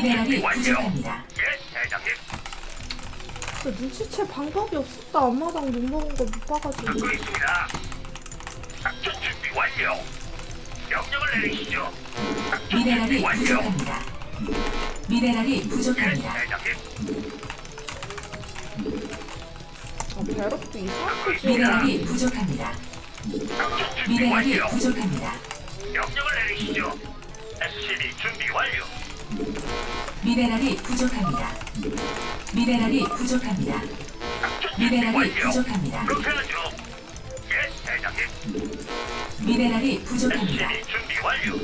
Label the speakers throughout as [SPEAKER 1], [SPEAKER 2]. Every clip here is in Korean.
[SPEAKER 1] 미네랄이 부족합니다.
[SPEAKER 2] 예, 대장님.
[SPEAKER 3] 눈치챌 방법이 없었다. 앞마당 못 먹은 거 못 봐가지고.
[SPEAKER 2] 듣고 있습니다. 작전 준비 완료. 명령을 내리시죠. 작전 준비
[SPEAKER 1] 미네랄이
[SPEAKER 2] 완료.
[SPEAKER 1] 부족합니다. 미네랄이
[SPEAKER 2] 예,
[SPEAKER 1] 부족합니다.
[SPEAKER 2] 대장님.
[SPEAKER 3] 배럭도 이상하게 지어.
[SPEAKER 1] 미네랄이 부족합니다.
[SPEAKER 2] 작전 준비
[SPEAKER 1] 미네랄이
[SPEAKER 2] 완료.
[SPEAKER 1] 부족합니다.
[SPEAKER 2] 명령을 내리시죠. SCB 준비 완료.
[SPEAKER 1] 미네랄이 부족합니다. 미네랄이 부족합니다.
[SPEAKER 2] 작전 준비
[SPEAKER 1] 미네랄이
[SPEAKER 2] 완료.
[SPEAKER 1] 부족합니다.
[SPEAKER 2] 그렇게 하죠. 예, 대장님.
[SPEAKER 1] 미네랄이 부족합니다.
[SPEAKER 2] SCB 준비 완료.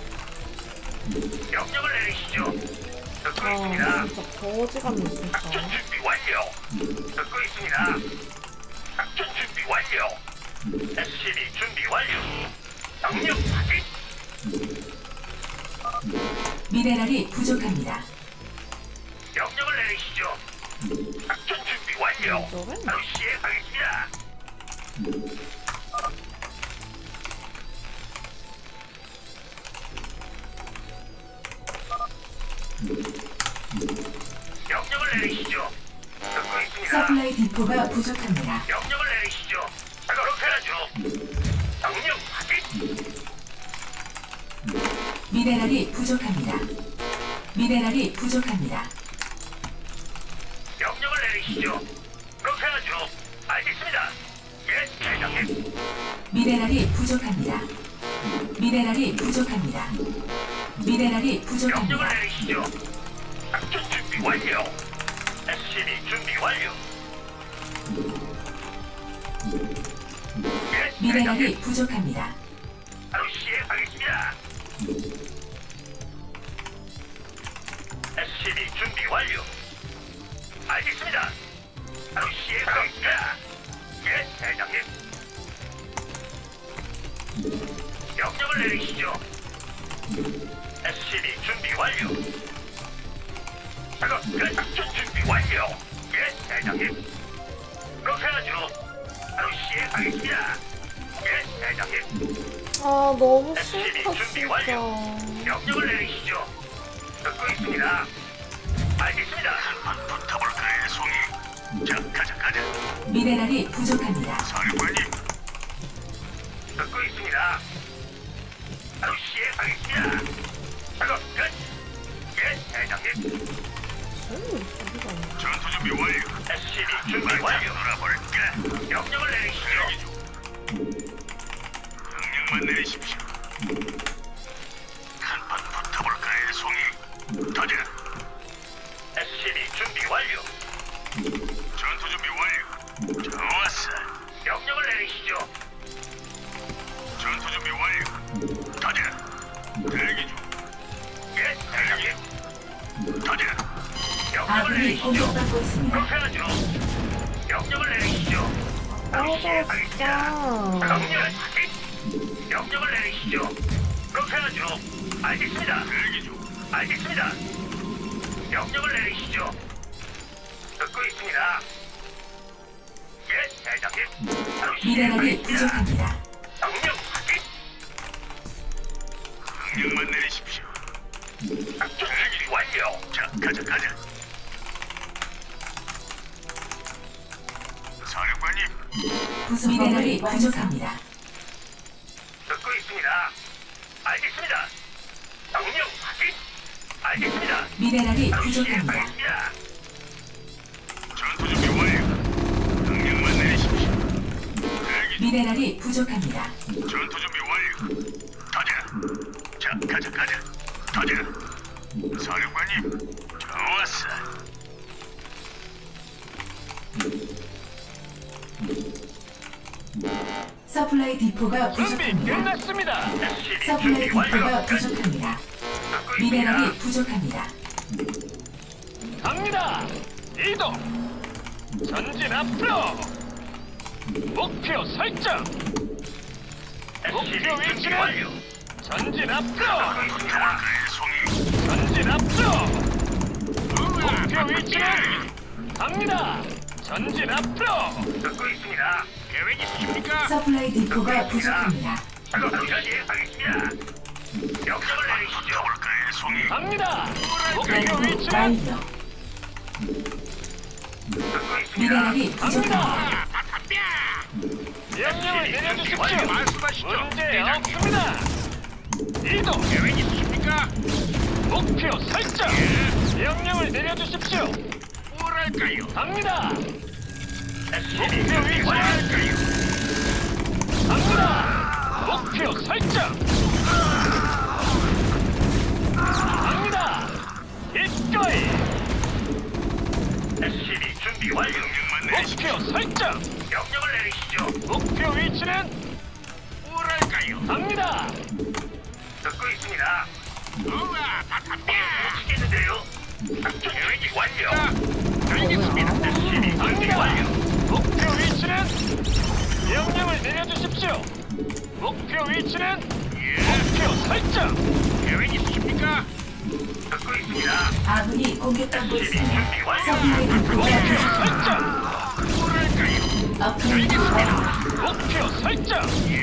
[SPEAKER 2] 명령을 내리시죠. 듣고 있습니다.
[SPEAKER 3] 아 진짜 거지감이 진짜.
[SPEAKER 2] 작전 준비 완료. 듣고 있습니다. 작전 준비 완료. SCB 준비 완료. 명령 확인.
[SPEAKER 1] 미네랄이 부족합니다.
[SPEAKER 2] 명령을 내리시죠. 작전 준비 완료.
[SPEAKER 3] 저건?
[SPEAKER 2] 바로 시행하겠습니다. 명령을 내리시죠. 듣고 있습니다.
[SPEAKER 1] 서플라이 디포가 부족합니다.
[SPEAKER 2] 명령을 내리시죠. 그렇게 하죠. 명령 확인.
[SPEAKER 1] 미네랄이 부족합니다. 미네랄이 부족합니다.
[SPEAKER 2] 명령을 내리시죠. 그렇게 하죠. 알겠습니다. 예, 대장님.
[SPEAKER 1] 미네랄이 부족합니다. 미네랄이 부족합니다. 미네랄이
[SPEAKER 2] 명령을
[SPEAKER 1] 부족합니다.
[SPEAKER 2] 내리시죠. 작전 준비 완료. SCB 준비 완료. 예,
[SPEAKER 1] 미네랄이
[SPEAKER 2] 대장님.
[SPEAKER 1] 부족합니다.
[SPEAKER 2] 바로 시행하겠습니다. SCB 준비 완료. 알겠습니다. 바로 시행하겠습니다. 예, 대장님. 명령을 내리시죠. SCB 준비 완료. 작업 끝. 작전 준비 완료. 예, 대장님. 그렇게 하죠. 바로 시행하겠습니다. 예, 대장님.
[SPEAKER 3] 아 너무
[SPEAKER 2] SCB
[SPEAKER 3] 싫다
[SPEAKER 2] 준비
[SPEAKER 3] 진짜.
[SPEAKER 2] 완료. 명령을 내리시죠. 듣고 있습니다. 알겠습니다. 한번 붙어볼까요, 송이? 자, 가자.
[SPEAKER 1] 미네랄이 부족합니다.
[SPEAKER 2] 사령관님. 듣고 있습니다. 바로 시행하겠습니다. 작업 끝. 예, 대장님.
[SPEAKER 3] 저기가 없네.
[SPEAKER 2] 전투 준비 완료. SCB 준비 완료. 놀아볼까? 명령을 내리시죠. 명령만 내리십시오. 한판 붙어볼까요, 송이? 가자. SCB 준비 완료. 전투 준비 완료. 좋았어. 명령을 내리시죠. 전투 준비 완료. 가자. 대기 중. 예, 대장님. 가자. 명령을
[SPEAKER 1] 아군이
[SPEAKER 2] 내리시죠.
[SPEAKER 1] 공격받고 있습니다.
[SPEAKER 2] 그렇게 하죠. 명령을 내리시죠. 바로 시행하겠습니다. 명령 확인. 명령을 내리시죠. 그렇게 하죠. 알겠습니다. 대기 중. 알겠습니다. 명령을 내리시죠. 듣고 있습니다. 예, 대장님. 바로
[SPEAKER 1] 미네랄이
[SPEAKER 2] 시행하겠습니다.
[SPEAKER 1] 부족합니다.
[SPEAKER 2] 명령 확인. 명령만 내리십시오. 작전 준비 완료. 자, 가자. 사령관님.
[SPEAKER 1] 미네랄이 부족합니다.
[SPEAKER 2] 듣고 있습니다. 알겠습니다. 명령 확인. 알겠습니다.
[SPEAKER 1] 미네랄이
[SPEAKER 2] 바로
[SPEAKER 1] 부족합니다.
[SPEAKER 2] 시행하겠습니다. 전투 준비 완료. 명령만 내리십시오. 대기 중.
[SPEAKER 1] 미네랄이 부족합니다.
[SPEAKER 2] 전투 준비 완료. 가자. 자, 가자. 사령관님, 좋았어.
[SPEAKER 1] 서플라이 디포가
[SPEAKER 4] 준비
[SPEAKER 1] 부족합니다.
[SPEAKER 4] 끝났습니다.
[SPEAKER 2] SCB
[SPEAKER 1] 서플라이
[SPEAKER 2] 준비 완료.
[SPEAKER 1] 디포가 부족합니다.
[SPEAKER 2] 듣고 있습니다.
[SPEAKER 1] 미네랄이 부족합니다.
[SPEAKER 4] 갑니다. 이동. 전진 앞으로. 목표 설정.
[SPEAKER 2] SCB
[SPEAKER 4] 목표
[SPEAKER 2] 준비
[SPEAKER 4] 위치는
[SPEAKER 2] 완료.
[SPEAKER 4] 전진 앞으로.
[SPEAKER 2] 듣고 있습니다. 송이.
[SPEAKER 4] 전진 앞으로. 목표 위치는 갑니다. 전진 앞으로.
[SPEAKER 2] 듣고 있습니다. 계획 있으십니까?
[SPEAKER 1] 서플라이 디포가 부족합니다.
[SPEAKER 2] 작업 시행하겠습니다. 명령을 내리시죠. 볼까요, 송이?
[SPEAKER 4] 갑니다. 목표
[SPEAKER 1] 연구
[SPEAKER 4] 위치는
[SPEAKER 1] 완료.
[SPEAKER 2] 듣고 있습니다.
[SPEAKER 1] 미네랄이 부족합니다.
[SPEAKER 4] 갑니다. 명령을 내려주십시오.
[SPEAKER 2] 말씀하시죠.
[SPEAKER 4] 문제 없습니다. 이동.
[SPEAKER 2] 계획 있으십니까?
[SPEAKER 4] 목표 설정. 명령을 내려주십시오.
[SPEAKER 2] 뭐랄까요?
[SPEAKER 4] 갑니다.
[SPEAKER 2] SCB
[SPEAKER 4] 목표 위치는
[SPEAKER 2] 뭐랄까요?
[SPEAKER 4] 갑니다. 목표 설정. 갑니다. 기꺼이.
[SPEAKER 2] SCB 준비 완료. 명령만 내리시죠.
[SPEAKER 4] 목표 설정.
[SPEAKER 2] 명령을 내리시죠.
[SPEAKER 4] 목표 위치는
[SPEAKER 2] 뭐랄까요?
[SPEAKER 4] 갑니다.
[SPEAKER 2] 듣고 있습니다. 우와, 다 갑니다. 못치겠는데요? 작전 계획이 완료. 알겠습니다. SCB 준비
[SPEAKER 4] 갑니다.
[SPEAKER 2] 완료.
[SPEAKER 4] 목표 위치는 명령을 내려주십시오. 목표 위치는 목표 설정.
[SPEAKER 2] 계획 있으십니까? 듣고 있습니다.
[SPEAKER 1] 아군이 공격받고
[SPEAKER 2] SCB
[SPEAKER 1] 있습니다.
[SPEAKER 2] 준비 완료.
[SPEAKER 1] 서플라이 디포가
[SPEAKER 4] 목표
[SPEAKER 1] 부족합니다.
[SPEAKER 4] 설정.
[SPEAKER 2] 뭐랄까요?
[SPEAKER 1] 업그레이드 완료.
[SPEAKER 4] 목표 설정.
[SPEAKER 2] 예,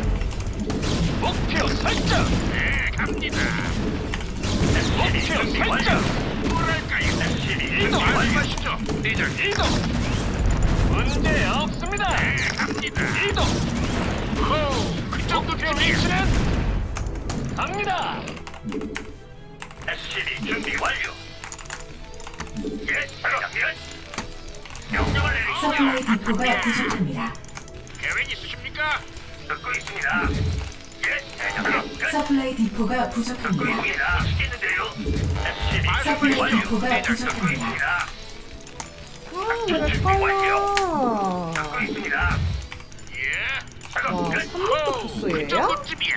[SPEAKER 4] 목표 설정.
[SPEAKER 2] 네, 갑니다.
[SPEAKER 4] 목표
[SPEAKER 2] 준비 완료.
[SPEAKER 4] 설정.
[SPEAKER 2] 뭐랄까요? SCB 준비
[SPEAKER 4] 이동.
[SPEAKER 2] 완료하시죠. 대장님.
[SPEAKER 4] 이동. 문제 없습니다.
[SPEAKER 2] 네, 갑니다.
[SPEAKER 4] 이동.
[SPEAKER 2] 호, 그
[SPEAKER 4] 목표
[SPEAKER 2] 정도쯤이야.
[SPEAKER 4] 위치는 갑니다.
[SPEAKER 2] SCB 준비 완료. 예, 대장님. 명령을
[SPEAKER 1] 서플라이
[SPEAKER 2] 내리시죠.
[SPEAKER 1] 디포가 부족합니다.
[SPEAKER 2] 계획 있으십니까? 듣고 있습니다. 예, 대장님. 끝.
[SPEAKER 1] 서플라이 디포가
[SPEAKER 2] 듣고
[SPEAKER 1] 부족합니다.
[SPEAKER 2] 있습니다. 시겠는데요? SCB 준비
[SPEAKER 1] 서플라이
[SPEAKER 2] 완료.
[SPEAKER 1] 디포가
[SPEAKER 2] 대장 듣고
[SPEAKER 1] 부족합니다.
[SPEAKER 2] 있습니다.
[SPEAKER 3] 아, 왜 이렇게 빨라?
[SPEAKER 2] 듣고 있습니다. 예. 작업
[SPEAKER 3] 와,
[SPEAKER 2] 끝.
[SPEAKER 3] 300도
[SPEAKER 2] 호, 그
[SPEAKER 3] 토스예요?
[SPEAKER 2] 정도쯤이야.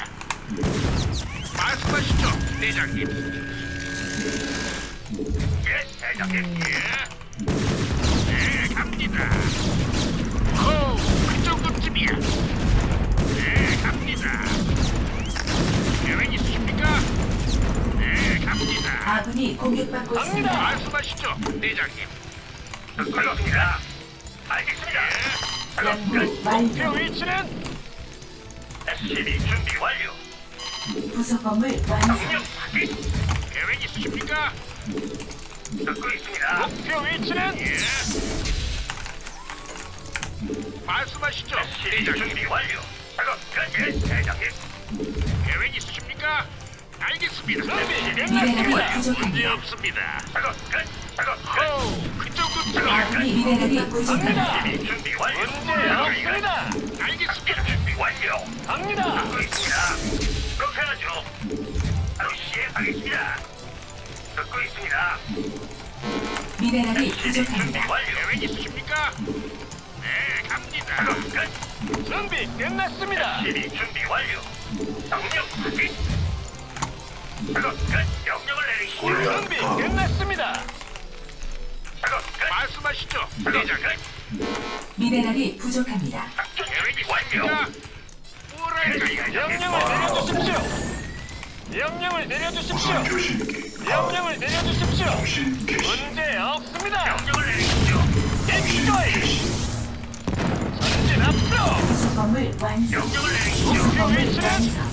[SPEAKER 2] 말씀하시죠, 대장님. 예, 대장님. 예. 네, 갑니다. 호, 그 정도쯤이야. 네, 갑니다. 계획 있으십니까? 네, 갑니다.
[SPEAKER 1] 아군이 공격받고
[SPEAKER 4] 갑니다.
[SPEAKER 1] 있습니다.
[SPEAKER 2] 말씀하시죠, 대장님. 듣고 있습니다. 알겠습니다. 작업
[SPEAKER 1] 연구
[SPEAKER 2] 끝.
[SPEAKER 4] 목표
[SPEAKER 1] 완료.
[SPEAKER 4] 위치는
[SPEAKER 2] SCB 준비 완료.
[SPEAKER 1] 부속 건물 완성.
[SPEAKER 2] 명령 확인. 계획 있으십니까? 듣고 있습니다.
[SPEAKER 4] 목표 위치는
[SPEAKER 2] 예. 말씀하시죠. SCB 준비 완료. 작업 끝. 예, 대장님. 계획 있으십니까? 알겠습니다.
[SPEAKER 4] 준비
[SPEAKER 1] 미네랄이
[SPEAKER 4] 끝났습니다.
[SPEAKER 2] 문제
[SPEAKER 1] 부족합니다.
[SPEAKER 2] 없습니다. 작업 끝. 작업 끝. 그 정도
[SPEAKER 1] 아군이 미네랄이 부족합니다.
[SPEAKER 4] 갑니다.
[SPEAKER 2] SCB 준비 완료.
[SPEAKER 4] 문제 없습니다.
[SPEAKER 2] 알겠습니다. 준비 완료.
[SPEAKER 4] 갑니다.
[SPEAKER 2] 듣고 있습니다. 그렇게 하죠. 바로 시행하겠습니다. 듣고 있습니다.
[SPEAKER 1] 미네랄이
[SPEAKER 2] SCB 준비
[SPEAKER 1] 부족합니다.
[SPEAKER 2] 완료. 계획 있으십니까? 네, 갑니다. 작업 끝.
[SPEAKER 4] 준비 끝났습니다.
[SPEAKER 2] SCB 준비 완료. 명령 확인. 작업 끝. 명령을 내리시죠.
[SPEAKER 4] 준비 끝났습니다.
[SPEAKER 2] 작업 끝. 말씀하시죠. 대장 끝.
[SPEAKER 1] 미네랄이 부족합니다.
[SPEAKER 2] 작전 계획이 완료. 뭐랄까요?
[SPEAKER 4] 명령을 내려주십시오. 명령을 내려주십시오. 명령을 내려주십시오. 문제 없습니다.
[SPEAKER 2] 명령을 내리시죠.
[SPEAKER 4] 기꺼이 전진 앞으로.
[SPEAKER 1] 부속 건물 완성.
[SPEAKER 2] 명령을 내리시죠.
[SPEAKER 1] 부속 건물
[SPEAKER 4] 위치는?
[SPEAKER 1] 완성.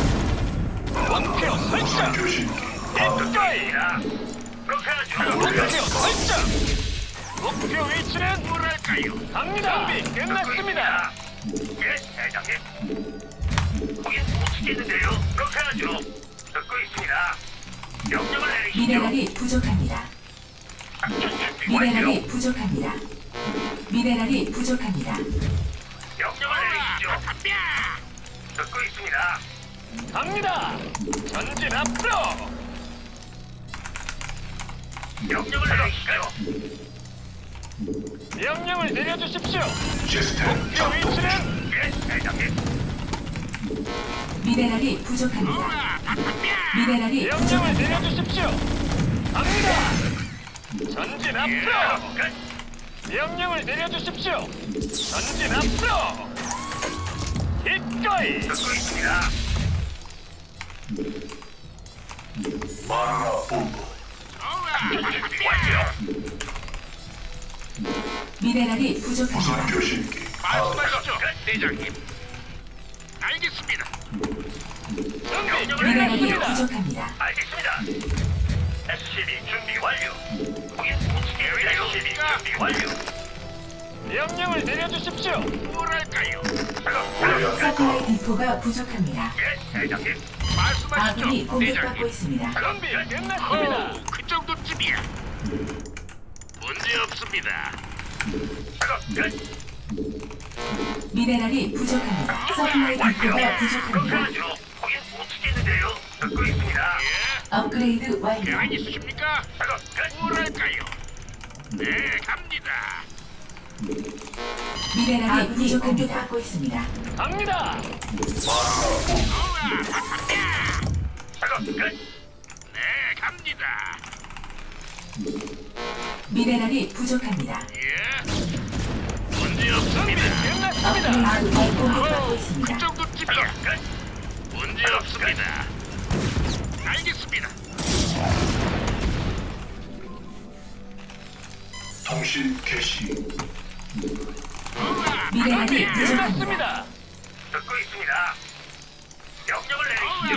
[SPEAKER 4] 목표 설정. 기꺼이
[SPEAKER 2] 자, 그렇게 하죠.
[SPEAKER 4] 목표 설정. 목표 위치는
[SPEAKER 2] 뭐랄까요?
[SPEAKER 4] 갑니다. 준비 끝났습니다.
[SPEAKER 2] 예, 대장님. 거긴 못 치겠는데요. 그렇게 하죠. 듣고 있습니다. 명령을 내리시죠.
[SPEAKER 1] 미네랄이 부족합니다.
[SPEAKER 2] 작전 준비 완료.
[SPEAKER 1] 미네랄이 부족합니다. 미네랄이 부족합니다.
[SPEAKER 2] 명령을 내리시죠. 듣고 있습니다.
[SPEAKER 4] 갑니다. 전진 앞으로.
[SPEAKER 2] 명령을 내리시죠.
[SPEAKER 4] 명령을 내려주십시오. 목표 위치는
[SPEAKER 2] 예, 대장님.
[SPEAKER 1] 미네랄이 부족합니다. 미네랄이
[SPEAKER 4] 명령을
[SPEAKER 1] 부족합니다.
[SPEAKER 4] 내려주십시오. 갑니다. 전진 앞으로.
[SPEAKER 2] 끝.
[SPEAKER 4] 명령을 내려주십시오. 전진 앞으로. 기꺼이
[SPEAKER 2] 듣고 있습니다. 작전 준비 완료.
[SPEAKER 1] 미네랄이 부족합니다.
[SPEAKER 2] 말씀하시죠, 대장님. 알겠습니다.
[SPEAKER 4] 준비
[SPEAKER 1] 미네랄이
[SPEAKER 4] 끝났습니다.
[SPEAKER 1] 부족합니다.
[SPEAKER 2] 알겠습니다. SCB 준비 완료. 거긴 못치겠는데요. SCB 준비 완료.
[SPEAKER 4] 명령을 내려주십시오.
[SPEAKER 2] 뭐랄까요?
[SPEAKER 1] 서플라이 디포가 부족합니다.
[SPEAKER 2] 예, 대장님.
[SPEAKER 1] 아군이
[SPEAKER 2] 말씀하시죠,
[SPEAKER 1] 공격받고
[SPEAKER 2] 대장님.
[SPEAKER 1] 있습니다.
[SPEAKER 4] 준비 끝났습니다.
[SPEAKER 2] 그 정도쯤이야. 문제 없습니다. 작업 끝.
[SPEAKER 1] 미네랄이 부족합니다. 서플라이 디포가
[SPEAKER 2] 그렇게
[SPEAKER 1] 부족합니다.
[SPEAKER 2] 하죠. 거긴 못치겠는데요. 듣고 있습니다. 예.
[SPEAKER 1] 업그레이드 완료.
[SPEAKER 2] 계획 있으십니까? 작업 끝. 뭐랄까요? 네, 갑니다.
[SPEAKER 1] 미네랄이 부족합니다. 공격받고 있습니다.
[SPEAKER 4] 갑니다.
[SPEAKER 2] 작업 끝. 네, 갑니다.
[SPEAKER 1] 미네랄이 부족합니다.
[SPEAKER 2] 예. 문제
[SPEAKER 4] 준비
[SPEAKER 2] 없습니다.
[SPEAKER 4] 끝났습니다.
[SPEAKER 1] 아군이 공격받고 있습니다.
[SPEAKER 2] 그 정도쯤이야. 끝. 문제 없습니다. 알겠습니다.
[SPEAKER 5] 통신 개시.
[SPEAKER 1] 미네랄이
[SPEAKER 4] 준비
[SPEAKER 1] 부족합니다.
[SPEAKER 4] 끝났습니다.
[SPEAKER 2] 듣고 있습니다. 명령을 내리시죠.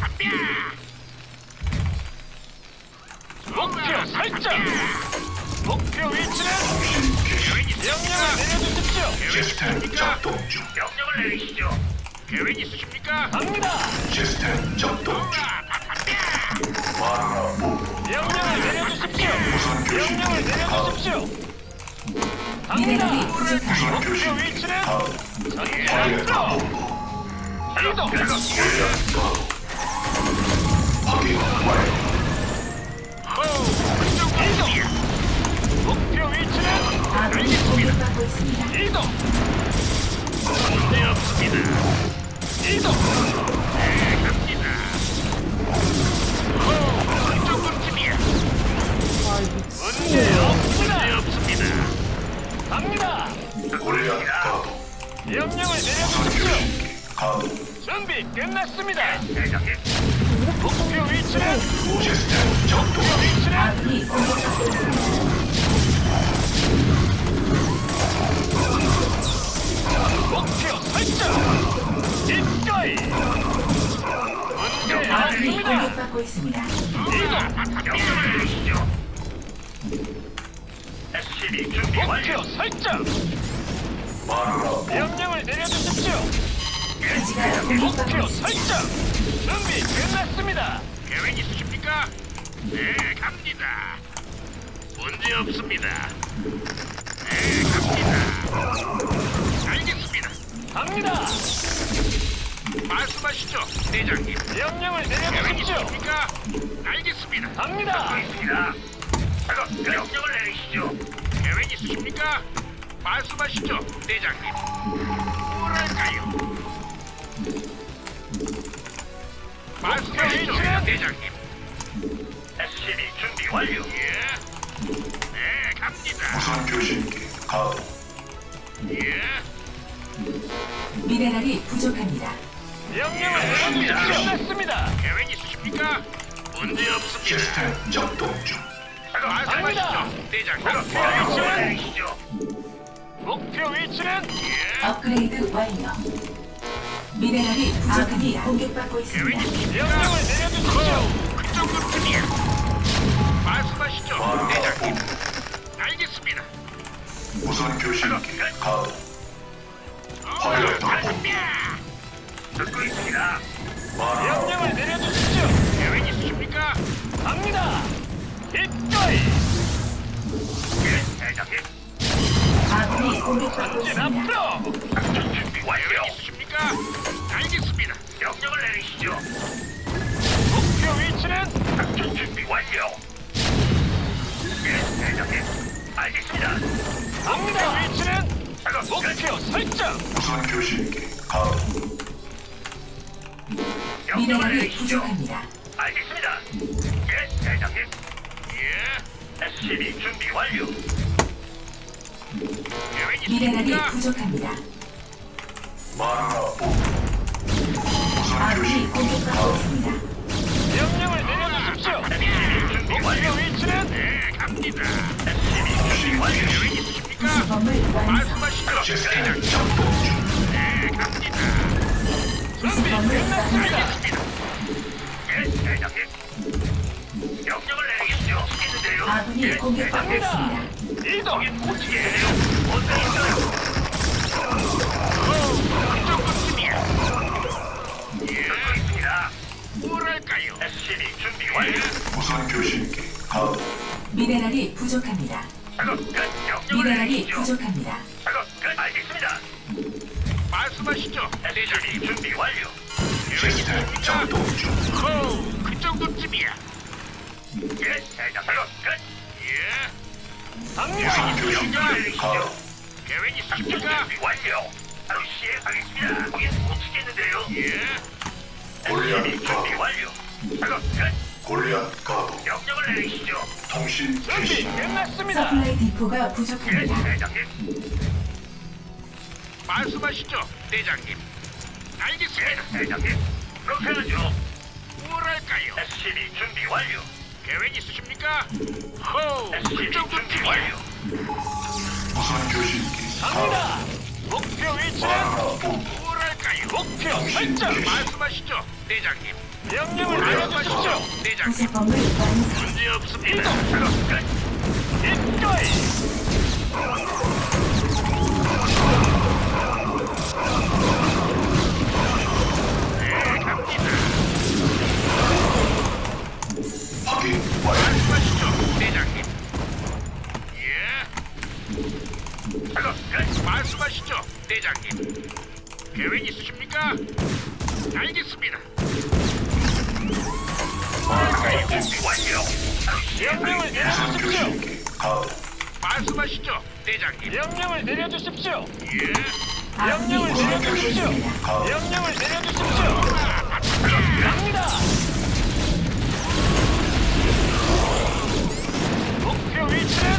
[SPEAKER 4] 목표 설정. 목표 위치는
[SPEAKER 5] 통신 개시.
[SPEAKER 4] 명령을 내려주십시오.
[SPEAKER 5] 시스템 작동 중.
[SPEAKER 2] 명령을 내리시죠. 계획 있으십니까?
[SPEAKER 4] 갑니다.
[SPEAKER 5] 시스템 작동 중. 마누라 본부.
[SPEAKER 4] 명령을 내려주십시오.
[SPEAKER 5] 무선 교신
[SPEAKER 4] 명령을 내려주십시오. 갑니다.
[SPEAKER 1] 미네랄이 부족합니다.
[SPEAKER 5] 무선
[SPEAKER 4] 목표
[SPEAKER 5] 교신
[SPEAKER 4] 위치는
[SPEAKER 5] 가동.
[SPEAKER 4] 전진
[SPEAKER 5] 확인
[SPEAKER 4] 앞으로. 이동.
[SPEAKER 5] 확인 완료.
[SPEAKER 4] 이동. 목표 위치는
[SPEAKER 1] 아군이 공격받고 있습니다.
[SPEAKER 4] 이동.
[SPEAKER 2] 문제 없습니다.
[SPEAKER 4] 이동.
[SPEAKER 2] 네, 갑니다. 그 정도쯤이야.
[SPEAKER 4] 문제 없습니다.
[SPEAKER 2] 문제 없습니다.
[SPEAKER 4] 갑니다.
[SPEAKER 5] 골리앗 가동.
[SPEAKER 4] 명령을
[SPEAKER 5] 무선
[SPEAKER 4] 내려주십시오.
[SPEAKER 5] 교신기 가동.
[SPEAKER 4] 준비 끝났습니다.
[SPEAKER 2] 대장님.
[SPEAKER 4] 목표 위치는
[SPEAKER 5] 시스템 작동.
[SPEAKER 4] 목표 위치는
[SPEAKER 1] 아군이 공격받고 있습니다.
[SPEAKER 4] 목표 설정. 기꺼이. 문제
[SPEAKER 1] 아군이
[SPEAKER 4] 없습니다.
[SPEAKER 1] 공격받고 있습니다.
[SPEAKER 4] 이동.
[SPEAKER 2] 명령을 내리시죠. SCB 준비 완료.
[SPEAKER 4] 목표 설정.
[SPEAKER 5] 마누라 본부.
[SPEAKER 4] 명령을 내려주십시오.
[SPEAKER 1] 기지가 공격받고
[SPEAKER 4] 목표
[SPEAKER 1] 있습니다.
[SPEAKER 4] 설정. 준비 끝났습니다.
[SPEAKER 2] 계획 있으십니까? 네, 갑니다. 문제 없습니다. 네, 갑니다. 알겠습니다.
[SPEAKER 4] 갑니다.
[SPEAKER 2] 말씀하시죠, 대장님.
[SPEAKER 4] 명령을
[SPEAKER 2] 계획
[SPEAKER 4] 내려주십시오.
[SPEAKER 2] 있으십니까? 알겠습니다.
[SPEAKER 4] 갑니다.
[SPEAKER 2] 듣고 있습니다. 작업 명령을 내리시죠. 계획 있으십니까? 말씀하시죠, 대장님. 뭐랄까요? 말씀하시죠,
[SPEAKER 4] 위치는?
[SPEAKER 2] 대장님. SCB 준비 완료. 예. 네, 갑니다.
[SPEAKER 5] 무선 교신기 가동.
[SPEAKER 2] 예.
[SPEAKER 1] 미네랄이 부족합니다.
[SPEAKER 4] 명령을 내려주십시오. 끝났습니다.
[SPEAKER 2] 계획 있으십니까? 문제 없습니다.
[SPEAKER 5] 시스템 작동 중.
[SPEAKER 2] 말씀하시죠, 대장님.
[SPEAKER 4] 목표
[SPEAKER 2] 명령을
[SPEAKER 4] 위치는?
[SPEAKER 2] 내리시죠.
[SPEAKER 4] 목표 위치는
[SPEAKER 2] 예.
[SPEAKER 1] 업그레이드 완료. 미네랄이 부족합니다. 공격받고
[SPEAKER 2] 계획
[SPEAKER 1] 있습니다.
[SPEAKER 2] 있으십니까?
[SPEAKER 4] 명령을 내려주십시오.
[SPEAKER 2] 그 정도쯤이야. 말씀하시죠,
[SPEAKER 5] 마누라
[SPEAKER 2] 대장님.
[SPEAKER 5] 본부.
[SPEAKER 2] 알겠습니다.
[SPEAKER 5] 무선 교신기 가동. 확인했다 본부.
[SPEAKER 2] 듣고 있습니다.
[SPEAKER 5] 마누라
[SPEAKER 4] 명령을 내려주십시오.
[SPEAKER 2] 계획 있으십니까?
[SPEAKER 4] 갑니다. 기꺼이.
[SPEAKER 2] 예, 대장님.
[SPEAKER 1] 아군이 공격받고
[SPEAKER 4] 전진
[SPEAKER 1] 있습니다.
[SPEAKER 4] 앞으로.
[SPEAKER 2] 작전 준비 완료. 계획 있으십니까? 알겠습니다. 명령을 내리시죠.
[SPEAKER 4] 목표 위치는
[SPEAKER 2] 작전 준비 완료. 예, 대장님. 알겠습니다.
[SPEAKER 4] 갑니다. 위치는
[SPEAKER 2] 작업 끝.
[SPEAKER 4] 목표 설정.
[SPEAKER 5] 무선 교신기 가동.
[SPEAKER 2] 명령을
[SPEAKER 1] 미네랄이
[SPEAKER 2] 내리시죠.
[SPEAKER 1] 부족합니다.
[SPEAKER 2] 알겠습니다. 예, 대장님. 예. SCB 준비 완료. 계획
[SPEAKER 1] 미네랄이
[SPEAKER 2] 있으십니까?
[SPEAKER 1] 부족합니다.
[SPEAKER 5] 마누라 본부. 무선
[SPEAKER 1] 아군이
[SPEAKER 5] 교신기
[SPEAKER 1] 공격받고
[SPEAKER 5] 가동.
[SPEAKER 1] 있습니다.
[SPEAKER 4] 명령을 내려주십시오.
[SPEAKER 2] 준비
[SPEAKER 4] 목표
[SPEAKER 2] 완료.
[SPEAKER 4] 위치는
[SPEAKER 2] 네, 갑니다. SCB 준비 완료. 계획 있으십니까?
[SPEAKER 1] 구성범을 완성.
[SPEAKER 2] 말씀하시죠,
[SPEAKER 5] 시스템
[SPEAKER 2] 대장님.
[SPEAKER 5] 작동 중.
[SPEAKER 2] 네, 갑니다.
[SPEAKER 4] 준비
[SPEAKER 1] 구성범을
[SPEAKER 4] 끝났습니다.
[SPEAKER 1] 완성.
[SPEAKER 2] 알겠습니다.
[SPEAKER 1] 공격받고 있습니다.
[SPEAKER 4] 이동.
[SPEAKER 2] 어떻게 해요? 어떤 있어요? 그 정도쯤이야. 듣고 있습니다. 뭐랄까요? SCB 준비 완료.
[SPEAKER 5] 무선 교신기 가동.
[SPEAKER 1] 미네랄이 부족합니다.
[SPEAKER 2] 작업 끝. 명령을
[SPEAKER 1] 미네랄이
[SPEAKER 2] 내리시죠.
[SPEAKER 1] 부족합니다.
[SPEAKER 2] 작업 끝. 알겠습니다. 말씀하시죠. SCB 준비 완료.
[SPEAKER 5] 시스템 작동 중.
[SPEAKER 2] 호, 그 정도쯤이야. 예, 대장. 작업 끝. 예.
[SPEAKER 5] 무선 교신기 가동.
[SPEAKER 2] 계획 있으십니까? 완료. 바로 시행하겠습니다. 거긴 못 치겠는데요. 예.
[SPEAKER 5] 골리앗
[SPEAKER 2] 준비
[SPEAKER 5] 가동.
[SPEAKER 2] 완료. 작업 끝.
[SPEAKER 5] 골리앗 가동.
[SPEAKER 2] 명령을 내리시죠.
[SPEAKER 5] 통신
[SPEAKER 4] 준비
[SPEAKER 5] 개시.
[SPEAKER 4] 끝났습니다.
[SPEAKER 1] 서플라이 디포가
[SPEAKER 2] 예,
[SPEAKER 1] 부족합니다.
[SPEAKER 2] 대장님. 말씀하시죠, 대장님. 알겠습니다, 대장님. 그렇게 하죠. 뭐랄까요? SCB 준비 완료. 계획 있으십니까? 호, 그 정도쯤 완료.
[SPEAKER 5] 무선 교신기 가동.
[SPEAKER 4] 갑니다. 목표 위치는
[SPEAKER 5] 마라 본부.
[SPEAKER 2] 뭐랄까요?
[SPEAKER 4] 목표
[SPEAKER 5] 통신
[SPEAKER 4] 설정.
[SPEAKER 5] 개시.
[SPEAKER 2] 말씀하시죠, 대장님.
[SPEAKER 4] 명령을 내려주십시오.
[SPEAKER 2] 대장님.
[SPEAKER 1] 부속범을 완성.
[SPEAKER 2] 문제 없습니다.
[SPEAKER 4] 이동.
[SPEAKER 2] 작업 끝.
[SPEAKER 4] 이거이.
[SPEAKER 2] 네, 갑니다.
[SPEAKER 5] 확인 완료.
[SPEAKER 2] 말씀하시죠, 대장님. 예. 작업 끝. 말씀하시죠, 대장님. 계획 있으십니까? 알겠습니다. 준비 완료.
[SPEAKER 4] 명령을
[SPEAKER 5] 무선
[SPEAKER 4] 내려주십시오.
[SPEAKER 5] 교신기 가동.
[SPEAKER 2] 말씀하시죠, 대장님.
[SPEAKER 4] 명령을 내려주십시오.
[SPEAKER 2] 예.
[SPEAKER 1] 아군이
[SPEAKER 4] 명령을
[SPEAKER 1] 공격받고
[SPEAKER 4] 내려주십시오.
[SPEAKER 1] 있습니다.
[SPEAKER 5] 가동.
[SPEAKER 4] 명령을 내려주십시오. 갑니다. 목표 위치는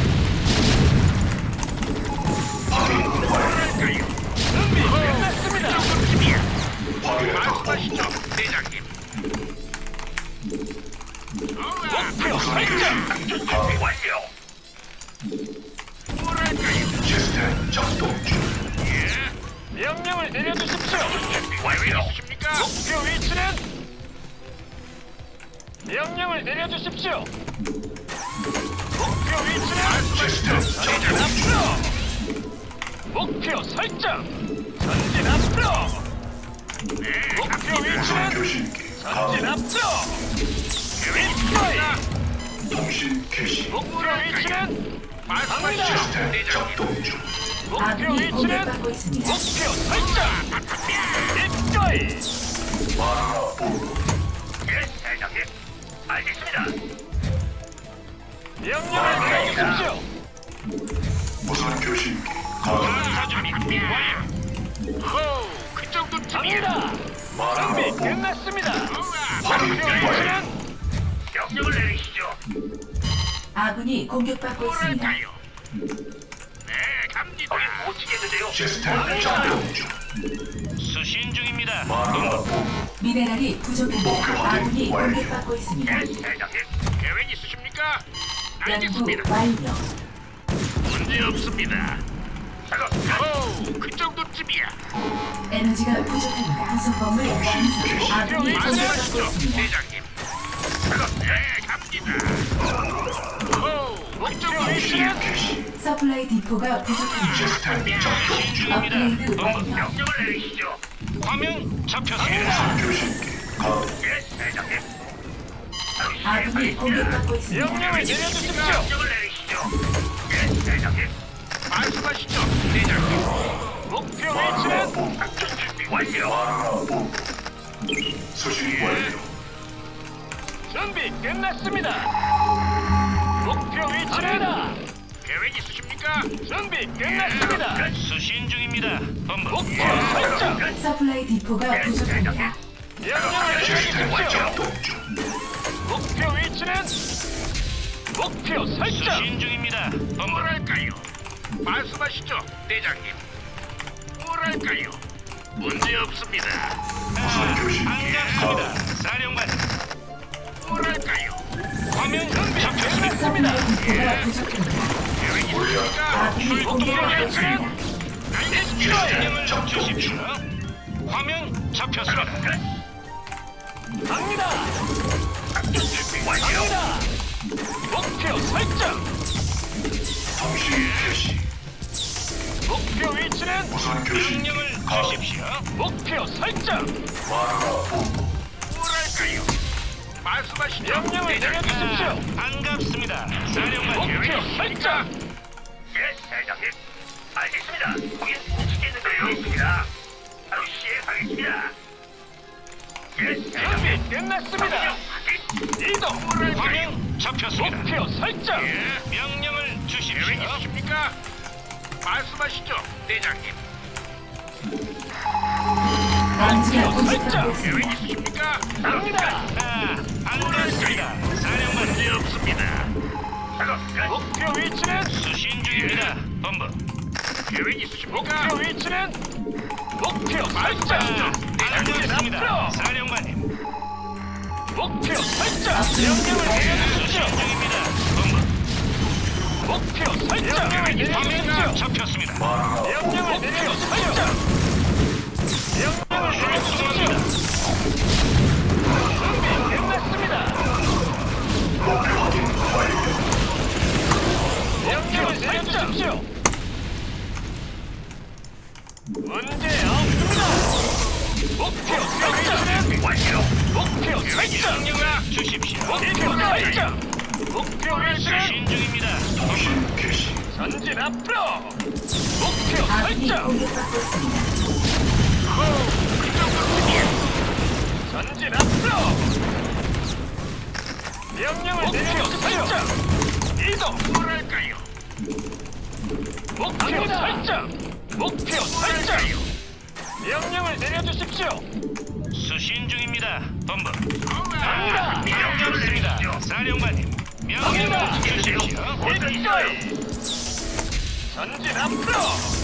[SPEAKER 5] 확인 완료.
[SPEAKER 2] 뭐랄까요?
[SPEAKER 4] 준비 끝났습니다.
[SPEAKER 2] 정도쯤이야.
[SPEAKER 5] 확인했다
[SPEAKER 2] 말씀하시죠,
[SPEAKER 5] 본부.
[SPEAKER 2] 대장님.
[SPEAKER 4] 목표
[SPEAKER 5] 무선
[SPEAKER 4] 설정.
[SPEAKER 5] 교신기 가동.
[SPEAKER 2] 완료. 뭐랄까요?
[SPEAKER 5] 시스템 작동 중.
[SPEAKER 2] 예.
[SPEAKER 4] 명령을 내려주십시오.
[SPEAKER 2] 준비 완료. 있으십니까?
[SPEAKER 4] 목표 위치는 명령을 내려주십시오. 목표 위치는
[SPEAKER 5] 시스템 작동 중.
[SPEAKER 4] 앞으로. 목표 설정. 전진 앞으로.
[SPEAKER 2] 네,
[SPEAKER 4] 목표
[SPEAKER 2] 갑니다.
[SPEAKER 5] 무선
[SPEAKER 4] 위치는
[SPEAKER 5] 교신기
[SPEAKER 4] 전진
[SPEAKER 5] 가동.
[SPEAKER 4] 앞으로.
[SPEAKER 2] 계획
[SPEAKER 4] 이거이.
[SPEAKER 2] 있으십니까?
[SPEAKER 5] 통신 개시.
[SPEAKER 4] 목표 위치는
[SPEAKER 2] 말씀하시죠,
[SPEAKER 5] 시스템
[SPEAKER 2] 대장님.
[SPEAKER 5] 작동 중.
[SPEAKER 4] 목표
[SPEAKER 1] 아군이
[SPEAKER 4] 위치는
[SPEAKER 1] 공격받고 있습니다.
[SPEAKER 4] 목표 설정. 이거이.
[SPEAKER 5] 마라 본부.
[SPEAKER 2] 예, 대장님. 알겠습니다.
[SPEAKER 4] 명령을 내려주십시오.
[SPEAKER 5] 무선 교신기 가동.
[SPEAKER 2] 준비 완료. 호, 그 정도쯤이야.
[SPEAKER 4] 갑니다.
[SPEAKER 5] 마라
[SPEAKER 4] 준비
[SPEAKER 5] 본부.
[SPEAKER 4] 끝났습니다.
[SPEAKER 5] 확인
[SPEAKER 4] 목표
[SPEAKER 5] 완료.
[SPEAKER 4] 위치는
[SPEAKER 2] 명령을 내리시죠.
[SPEAKER 1] 아군이 공격받고 있습니다.
[SPEAKER 2] 뭐랄까요? 네, 갑니다. 못 치겠는데요.
[SPEAKER 5] 시스템 작동 중.
[SPEAKER 2] 수신 중입니다.
[SPEAKER 5] 마라 본부.
[SPEAKER 1] 미네랄이 부족합니다. 아군이 공격받고 있습니다.
[SPEAKER 2] 예, 대장님. 계획 있으십니까?
[SPEAKER 1] 연구
[SPEAKER 2] 알겠습니다.
[SPEAKER 1] 완료.
[SPEAKER 2] 문제 없습니다. 작업 끝. 그 정도쯤이야.
[SPEAKER 1] 에너지가 부족합니다. 부속범을 완성. 아군이 공격받고
[SPEAKER 2] 말씀하시죠,
[SPEAKER 1] 있습니다.
[SPEAKER 2] 대장님. 작업 네, 갑니다. 호, 그 정도
[SPEAKER 5] 통신
[SPEAKER 2] 위치는
[SPEAKER 5] 개시.
[SPEAKER 1] 서플라이 디포가 부족합니다.
[SPEAKER 5] 시스템 작동 중.
[SPEAKER 1] 업그레이드 완료.
[SPEAKER 2] 명령을 내리시죠. 화면 잡혔습니다.
[SPEAKER 5] 무선 교신기 가동.
[SPEAKER 2] 예, 대장님.
[SPEAKER 1] 아군이 공격받고 있습니다.
[SPEAKER 4] 명령을 내려주십시오.
[SPEAKER 2] 명령을 내리시죠. 예, 대장님. 말씀하시죠, 대장님.
[SPEAKER 4] 목표
[SPEAKER 5] 마라
[SPEAKER 4] 위치는
[SPEAKER 5] 본부.
[SPEAKER 2] 작전 준비 완료.
[SPEAKER 5] 마라 본부. 수신 완료.
[SPEAKER 4] 준비 끝났습니다. 목표 위치는
[SPEAKER 2] 계획 있으십니까?
[SPEAKER 4] 준비 끝났습니다.
[SPEAKER 2] 수신 중입니다. 본부.
[SPEAKER 4] 목표 설정.
[SPEAKER 1] 서플라이 디포가 부족합니다.
[SPEAKER 4] 명령을
[SPEAKER 5] 시스템
[SPEAKER 4] 내려주십시오.
[SPEAKER 5] 작동 중.
[SPEAKER 4] 목표 위치는 목표 설정.
[SPEAKER 2] 수신 중입니다. 뭐랄까요? 말씀하시죠, 대장님. 뭐랄까요? 문제 없습니다.
[SPEAKER 5] 무선 교신기 가동.
[SPEAKER 2] 사령관. 뭐랄까요? 화면
[SPEAKER 4] 준비 끝났습니다.
[SPEAKER 1] 서플라이 디포가 부족합니다.
[SPEAKER 2] 계획
[SPEAKER 5] 골리앗
[SPEAKER 2] 있으십니까?
[SPEAKER 1] 아군이 공격받고 있습니다.
[SPEAKER 5] 시스템 작동 중.
[SPEAKER 2] 화면 잡혔습니다.
[SPEAKER 4] 갑니다.
[SPEAKER 2] 준비 완료.
[SPEAKER 4] 갑니다. 목표 설정.
[SPEAKER 5] 통신 개시.
[SPEAKER 4] 목표 위치는
[SPEAKER 5] 무선 교신 가동.
[SPEAKER 4] 주십시오. 목표 설정.
[SPEAKER 5] 마누라 본부.
[SPEAKER 2] 뭐랄까요? 말씀하시죠.
[SPEAKER 4] 명령을 내려주십시오.
[SPEAKER 6] 반갑습니다. 사령관님.
[SPEAKER 4] 목표 설정.
[SPEAKER 2] 예, 대장님. 알겠습니다. 거긴 움직이는데요. 있습니다. 바로 시행하겠습니다. 예, 대장님.
[SPEAKER 4] 준비 끝났습니다. 이동.
[SPEAKER 6] 화면 잡혔습니다.
[SPEAKER 4] 목표 설정.
[SPEAKER 6] 명령을 주십시오.
[SPEAKER 2] 계획 있으십니까? 말씀하시죠, 대장님.
[SPEAKER 1] 감지가
[SPEAKER 4] 목표 설정.
[SPEAKER 1] 부족하고 있습니다.
[SPEAKER 2] 계획 있으십니까?
[SPEAKER 4] 갑니다.
[SPEAKER 6] 반갑습니다. 사령관님.
[SPEAKER 2] 문제 없습니다. 작업 끝.
[SPEAKER 4] 목표 위치는
[SPEAKER 6] 수신 중입니다. 본부.
[SPEAKER 2] 계획 있으십니까?
[SPEAKER 4] 목표 위치는 목표 설정.
[SPEAKER 6] 반갑습니다.
[SPEAKER 4] 앞으로.
[SPEAKER 6] 사령관님.
[SPEAKER 4] 목표 설정. 명령을 내려주십시오.
[SPEAKER 6] 수신 중입니다. 본부.
[SPEAKER 4] 목표 설정. 명령을
[SPEAKER 6] 화면
[SPEAKER 4] 내려주십시오.
[SPEAKER 6] 잡혔습니다.
[SPEAKER 5] 마누라 본부.
[SPEAKER 4] 명령을 내려주십시오. 명령을 내려주십시오. 준비 끝났습니다.
[SPEAKER 5] 목표 확인 완료.
[SPEAKER 4] 명령을 내려주십시오. 문제 없습니다. 목표 설정.
[SPEAKER 2] 완료.
[SPEAKER 4] 목표 설정.
[SPEAKER 6] 명령을 주십시오.
[SPEAKER 4] 목표 설정. 목표 위치는
[SPEAKER 6] 수신 중입니다.
[SPEAKER 5] 통신 개시.
[SPEAKER 4] 전진 앞으로. 목표
[SPEAKER 1] 아군이
[SPEAKER 4] 설정.
[SPEAKER 1] 공격받고 있습니다.
[SPEAKER 4] 전진 앞으로. 명령을 내려주십시오. 이동.
[SPEAKER 2] 뭐랄까요?
[SPEAKER 4] 목표 설정. 목표 설정. 명령을 내려주십시오.
[SPEAKER 6] 수신 중입니다. 본부.
[SPEAKER 4] 갑니다.
[SPEAKER 6] 명령 있습니다. 사령관님. 명령을 주십시오.
[SPEAKER 4] 일거이. 전진 앞으로.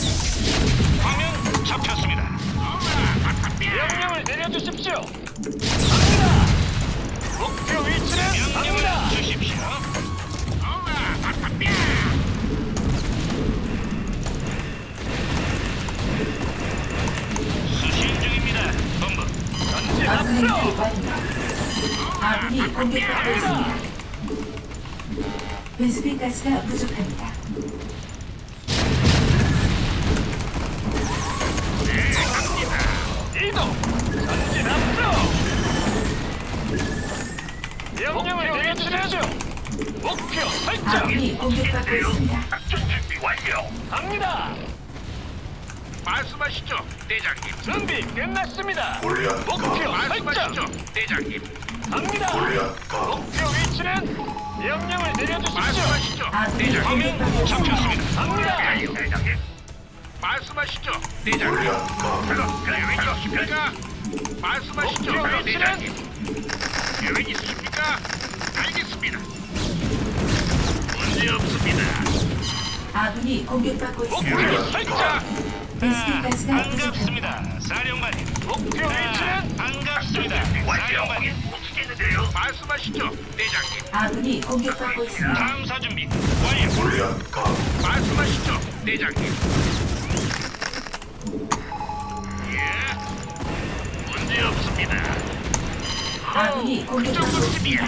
[SPEAKER 6] 화면 잡혔습니다.
[SPEAKER 4] 명령을 내려주십시오. 갑니다. 목표 위치는
[SPEAKER 6] 명령을
[SPEAKER 4] 갑니다.
[SPEAKER 6] 주십시오. 수신 중입니다. 본부.
[SPEAKER 4] 전진
[SPEAKER 1] 아군이
[SPEAKER 4] 앞으로.
[SPEAKER 1] 완료. 아군이 공격받고 있습니다. 베스핀 가스가 부족합니다.
[SPEAKER 4] 이동. 전진 앞으로. 명령을 내려주십시오. 목표 설정.
[SPEAKER 1] 아군이 공격받고 있습니다.
[SPEAKER 2] 작전 준비 완료.
[SPEAKER 4] 갑니다.
[SPEAKER 2] 말씀하시죠, 대장님.
[SPEAKER 4] 준비 끝났습니다.
[SPEAKER 5] 골리앗
[SPEAKER 4] 목표
[SPEAKER 5] 가동.
[SPEAKER 2] 말씀하시죠,
[SPEAKER 4] 설정.
[SPEAKER 2] 대장님.
[SPEAKER 4] 갑니다.
[SPEAKER 5] 골리앗 가동.
[SPEAKER 4] 목표 위치는 명령을 내려주십시오.
[SPEAKER 2] 말씀하시죠,
[SPEAKER 1] 아군이
[SPEAKER 2] 대장님.
[SPEAKER 1] 공격받고 있습니다.
[SPEAKER 4] 갑니다.
[SPEAKER 2] 대장님. 말씀하시죠, 대장님.
[SPEAKER 5] 골리앗 가동.
[SPEAKER 2] 작업 끝. 계획 있으십니까? 말씀하시죠,
[SPEAKER 4] 목표 위치는
[SPEAKER 2] 대장님. 계획 있으십니까? 알겠습니다. 문제 없습니다.
[SPEAKER 1] 아군이 공격받고 있습니다.
[SPEAKER 4] 목표 설정.
[SPEAKER 1] 베스핀 가스가 부족합니다.
[SPEAKER 6] 반갑습니다. 사령관님.
[SPEAKER 4] 목표 위치는
[SPEAKER 6] 반갑습니다.
[SPEAKER 2] 완료.
[SPEAKER 6] 사령관님.
[SPEAKER 2] 움직이는데요. 말씀하시죠, 대장님.
[SPEAKER 1] 아군이 공격받고 있습니다.
[SPEAKER 6] 탐사 준비 완료.
[SPEAKER 5] 골리앗 가동.
[SPEAKER 2] 말씀하시죠, 대장님. 예. 문제 없습니다.
[SPEAKER 1] 아군이 공격받고 있습니다.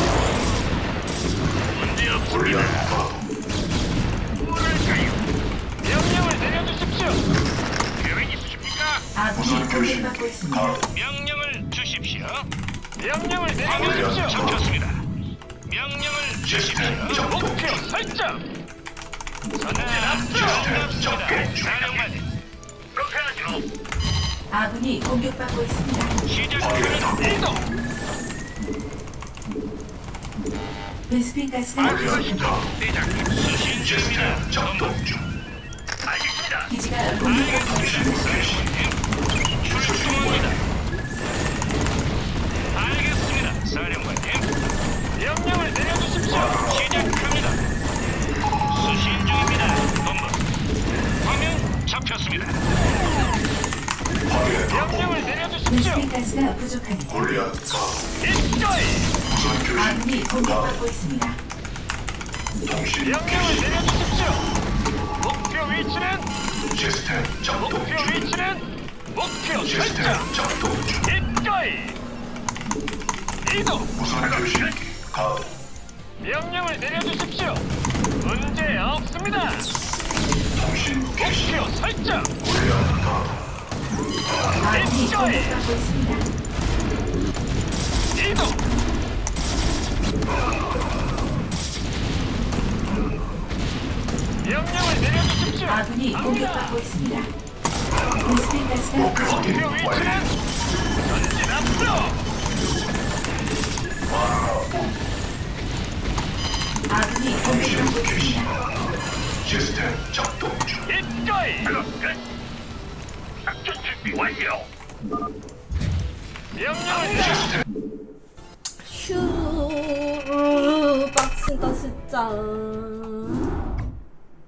[SPEAKER 2] 문제 없습니다.
[SPEAKER 5] 골리앗 가동.
[SPEAKER 2] 뭐랄까요?
[SPEAKER 4] 명령을 내려주십시오.
[SPEAKER 2] 계획 있으십니까?
[SPEAKER 1] 아군이
[SPEAKER 5] 무선 교신
[SPEAKER 1] 공격받고 있습니다.
[SPEAKER 5] 가동.
[SPEAKER 6] 명령을 주십시오.
[SPEAKER 4] 명령을
[SPEAKER 6] 화면
[SPEAKER 4] 내려주십시오.
[SPEAKER 6] 잡혔습니다. 명령을
[SPEAKER 5] 시스템
[SPEAKER 6] 주십시오.
[SPEAKER 5] 작동
[SPEAKER 4] 목표
[SPEAKER 5] 중.
[SPEAKER 4] 설정. 전진 앞으로.
[SPEAKER 5] 시스템 작동
[SPEAKER 6] 반갑습니다.
[SPEAKER 5] 중.
[SPEAKER 6] 사령관님.
[SPEAKER 2] 그렇게 하죠.
[SPEAKER 1] 아군이 공격받고 있습니다.
[SPEAKER 6] 시작합니다.
[SPEAKER 4] 이동.
[SPEAKER 1] 베스핀 가스가 부족합니다.
[SPEAKER 2] 말씀하시죠, 대장님.
[SPEAKER 6] 수신 중입니다.
[SPEAKER 5] 시스템 작동 중.
[SPEAKER 2] 알겠습니다.
[SPEAKER 1] 기지가 공격받고 있습니다.
[SPEAKER 6] 출동합니다. 알겠습니다. 사령관님.
[SPEAKER 4] 명령을 내려주십시오.
[SPEAKER 6] 시작합니다. 수신 중입니다. 본부. 화면 잡혔습니다.
[SPEAKER 5] 확인했다.
[SPEAKER 4] 명령을 내려주십시오.
[SPEAKER 1] 베스핀 가스가 부족합니다.
[SPEAKER 5] 골리앗 가동.
[SPEAKER 4] 일거이.
[SPEAKER 5] 무선 교신
[SPEAKER 1] 아군이
[SPEAKER 5] 가동.
[SPEAKER 1] 공격받고 있습니다.
[SPEAKER 5] 통신
[SPEAKER 4] 명령을
[SPEAKER 5] 개시.
[SPEAKER 4] 내려주십시오. 목표 위치는
[SPEAKER 5] 시스템 작동
[SPEAKER 4] 목표
[SPEAKER 5] 중.
[SPEAKER 4] 위치는 목표
[SPEAKER 5] 시스템
[SPEAKER 4] 설정.
[SPEAKER 5] 작동 중.
[SPEAKER 4] 일거이. 이동.
[SPEAKER 5] 무선 교신기 가동.
[SPEAKER 4] 명령을 내려주십시오. 문제 없습니다.
[SPEAKER 5] 통신 개시.
[SPEAKER 4] 목표 설정.
[SPEAKER 5] 골리앗
[SPEAKER 1] 아군이
[SPEAKER 4] 입가에
[SPEAKER 1] 공격받고 있습니다.
[SPEAKER 4] 이동. 명령을 내려주십시오.
[SPEAKER 1] 아군이 공격받고 있습니다. 베스핀 가스가 부족합니다.
[SPEAKER 4] 목표 위치는 전진 앞으로.
[SPEAKER 1] 아군이
[SPEAKER 5] 통신
[SPEAKER 1] 공격받고
[SPEAKER 5] 개시.
[SPEAKER 1] 있습니다.
[SPEAKER 5] 시스템 작동 중.
[SPEAKER 4] 입가에
[SPEAKER 2] 작업 끝. 작전 준비 완료.
[SPEAKER 4] 명령을 내려.
[SPEAKER 5] 시스템
[SPEAKER 3] 휴 빡친다 진짜.